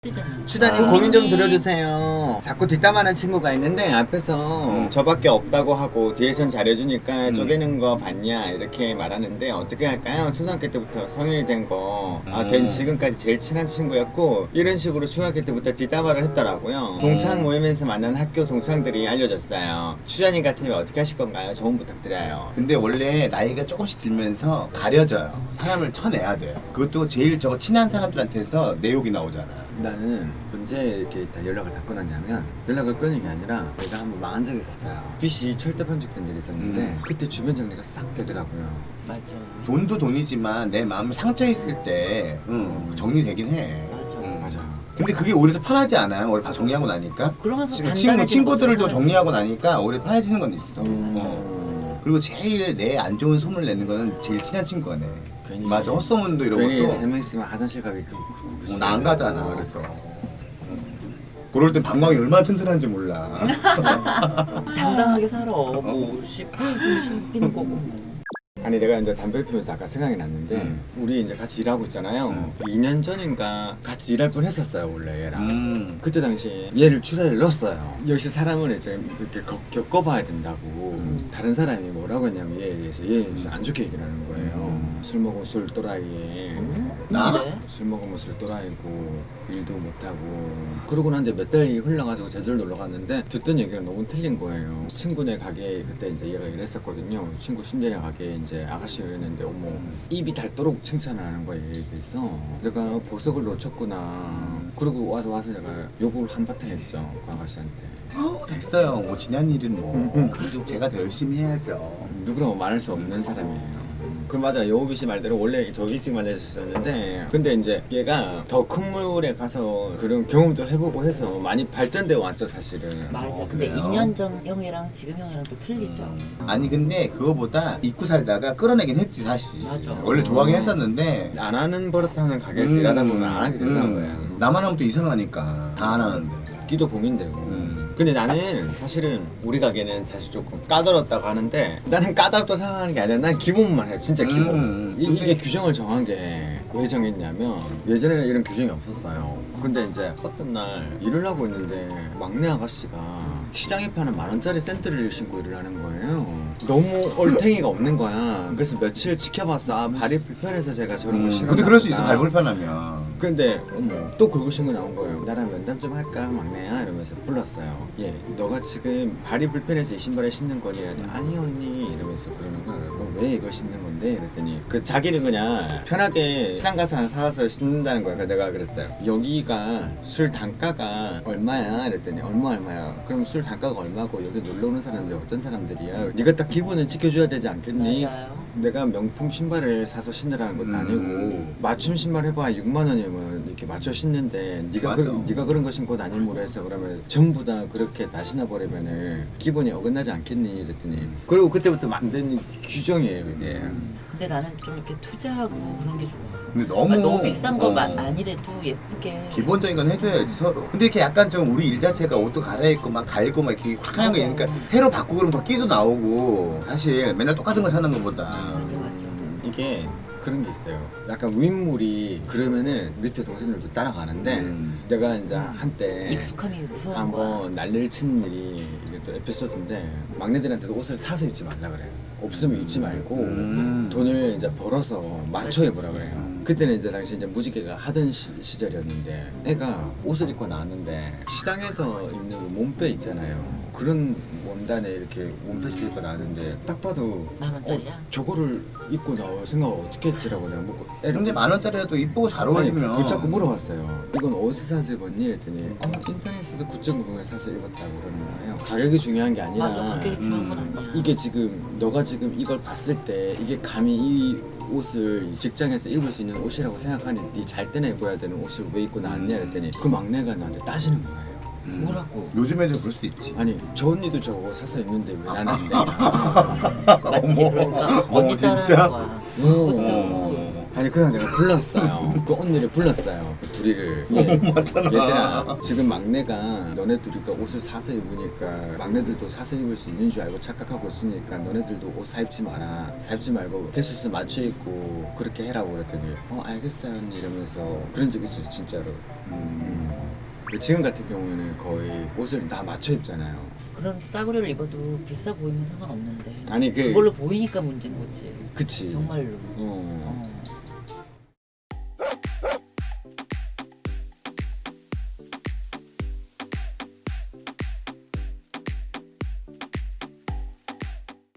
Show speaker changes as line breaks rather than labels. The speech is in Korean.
추다님 고민 좀 들어주세요. 자꾸 뒷담화하는 친구가 있는데 앞에서 저밖에 없다고 하고 뒤에선 잘해주니까 쪼개는 거 봤냐 이렇게 말하는데 어떻게 할까요? 초등학교 때부터 성인이 된 지금까지 제일 친한 친구였고 이런 식으로 중학교 때부터 뒷담화를 했더라고요. 동창 모임에서 만난 학교 동창들이 알려줬어요. 추자님 같으면 어떻게 하실 건가요? 조언 부탁드려요.
근데 원래 나이가 조금씩 들면서 가려져요. 사람을 쳐내야 돼요. 그것도 제일 친한 사람들한테서 내 욕이 나오잖아.
나는 언제 이렇게 다 연락을 다 끊었냐면 연락을 끊은 게 아니라 내가 한번 망한 적이 있었어요. 빚이 철대 편집된 적이 있었는데 그때 주변 정리가 싹 되더라고요.
맞아.
돈도 돈이지만 내 마음이 상처있을 때 정리되긴 해.
맞아.
근데 그게 오히려 더 편하지 않아요? 오히려 다 정리하고 나니까?
그러면서
친구들도 정리하고 나니까 오히려 편해지는 건 있어.
맞아.
그리고 제일 내 안 좋은 소문을 내는 거는 제일 친한 친구네.
괜히
맞아, 헛소문도 이런
괜히
것도
3명 있으면 화장실 가기
나 안 가잖아. 그래서 그럴 땐 방광이 얼마나 튼튼한지 몰라.
당당하게 살아. 뭐 씹히는 거고.
아니 내가 이제 담배를 피우면서 아까 생각이 났는데 우리 이제 같이 일하고 있잖아요. 2년 전인가 같이 일할 뻔 했었어요 원래 얘랑. 그때 당시에 얘를 출하를 넣었어요. 역시 사람을 이제 이렇게 겪어봐야 된다고. 다른 사람이 뭐라고 했냐면 얘에 대해서 얘 안 좋게 얘기를 하는 거예요. 술 먹으면 술 또라이에
나?
근데?
술 먹으면 술 또라이고 일도 못하고 그러고 난데 몇 달이 흘러가지고 제주를 놀러 갔는데 듣던 얘기가 너무 틀린 거예요. 친구네 가게에 그때 이제 얘가 일했었거든요. 친구 신재네 가게에 이제 아가씨를 했는데 어머 입이 닳도록 칭찬을 하는 거예요. 얘기해서 내가 보석을 놓쳤구나. 그리고 와서 내가 욕을 한바탕 했죠 그 아가씨한테.
됐어요. 뭐 지난 일은 뭐 제가 더 열심히 해야죠.
누구라고 말할 수 없는 사람이에요. 그 맞아. 여우비 씨 말대로 원래 더 일찍 만나셨었는데 근데 이제 얘가 더 큰 물에 가서 그런 경험도 해보고 해서 많이 발전되어 왔죠 사실은.
맞아. 근데
그래요?
2년 전 형이랑 지금 형이랑 또 틀리죠.
아니 근데 그거보다 잊고 살다가 끌어내긴 했지 사실.
맞아.
원래 좋아하긴 했었는데
안 하는 버릇하는 가게에서 일하다 보면 안 하게 된다는 거야.
나만 하면 또 이상하니까 다 안 하는데.
끼도 고민되고. 근데 나는 사실은 우리 가게는 사실 조금 까다롭다고 하는데 나는 까다롭다고 생각하는 게 아니라 난 기본만 해요. 진짜 기본. 이게 규정을 정한 게 왜 정했냐면 예전에는 이런 규정이 없었어요. 근데 이제 어떤 날 일을 하고 있는데 막내 아가씨가 시장에 파는 10,000원짜리 샌들을 신고 일을 하는 거예요. 너무 얼탱이가 없는 거야. 그래서 며칠 지켜봤어. 아, 발이 불편해서 제가 저런 걸 신었나
근데 그럴 수 있어.
보다.
발 불편하면.
근데 어머 또 긁고 신고 나온 거예요. 나랑 면담 좀 할까 막내야 이러면서 불렀어요. 예, 너가 지금 발이 불편해서 이 신발을 신는 거니? 아니 언니 이러면서 그러는 거야. 왜 이걸 신는 건데? 그랬더니 그 자기는 그냥 편하게 시장 가서 하나 사와서 신는다는 거야. 그래서 내가 그랬어요. 여기가 술 단가가 얼마야? 이랬더니 얼마야? 그럼 술 단가가 얼마고 여기 놀러 오는 사람들이 어떤 사람들이야? 네가 딱 기본을 지켜줘야 되지 않겠니?
맞아요.
내가 명품 신발을 사서 신으라는 것도 아니고 맞춤 신발 해봐 6만 원이면 이렇게 맞춰 신는데 네가 그런 거 신고 다니므로 해서 그러면 전부 다 그렇게 다 신어버리면은 기본이 어긋나지 않겠니? 이랬더니 그리고 그때부터 만든 규정이에요 이게.
근데 나는 좀 이렇게 투자하고 그런 게 좋아.
근데 너무
비싼 거 아니래도 예쁘게.
기본적인 건 해줘야지 서로. 근데 이렇게 약간 좀 우리 일 자체가 옷도 갈아입고 막 갈고 막 이렇게 화려한 거 있으니까 새로 바꾸고 그러면 더 끼도 나오고 사실 맨날 똑같은 거 사는 것보다.
맞아.
이게 그런 게 있어요. 약간 윗물이 그러면은 밑에 동생들도 따라가는데 내가 이제 한때
익숙함이 무서운 거야.
한번 난리를 친 일이 이게 또 에피소드인데 막내들한테도 옷을 사서 입지 말라 그래요. 없으면 입지 말고 돈을 이제 벌어서 맞춰 입으라 그래요. 그때는 이제 당시 이제 무지개가 하던 시절이었는데 애가 옷을 입고 나왔는데 시장에서 입는 그 몸빼 있잖아요. 그런 원단에 이렇게 원피스 입고 나왔는데 딱 봐도
10,000원짜리야?
저거를 입고 나올 생각을 어떻게 했지라고 내가 묻고
근데 10,000원짜리라도 이쁘고 잘
아니,
어울리면
붙잡고 물어봤어요. 이건 어디서 사서 입었니? 했더니 인터넷에서 9.90에 사서 입었다고 그러는 거예요. 가격이 중요한 게 아니라
맞아. 가격이 중요한 건 아니야.
이게 지금 너가 지금 이걸 봤을 때 이게 감히 이 옷을 직장에서 입을 수 있는 옷이라고 생각하니 네 잘 때나 입어야 되는 옷을 왜 입고 나왔냐 했더니 그 막내가 나한테 따지는 거예요.
뭐라고?
요즘에는 그럴 수도 있지.
아니 저 언니도 저거 사서 입는데 왜 나는 안 돼?
맞지? 그러니까 언니
진짜?
따라하는 거야.
오. 아니 그냥 내가 불렀어요. 그 언니를 불렀어요. 그 둘이를.
맞잖아.
얘들아 지금 막내가 너네들이가 옷을 사서 입으니까 막내들도 사서 입을 수 있는 줄 알고 착각하고 있으니까 너네들도 옷 사입지 마라. 사입지 말고 개수수 맞춰 입고 그렇게 해라고 그랬더니 알겠어요 언니 이러면서 그런 적 있어요 진짜로. 지금 같은 경우에는 거의 옷을 다 맞춰 입잖아요.
그런 싸구려를 입어도 비싸 보이면 상관없는데
아니
그걸로 보이니까 문제인 거지.
그치.
정말로.
어.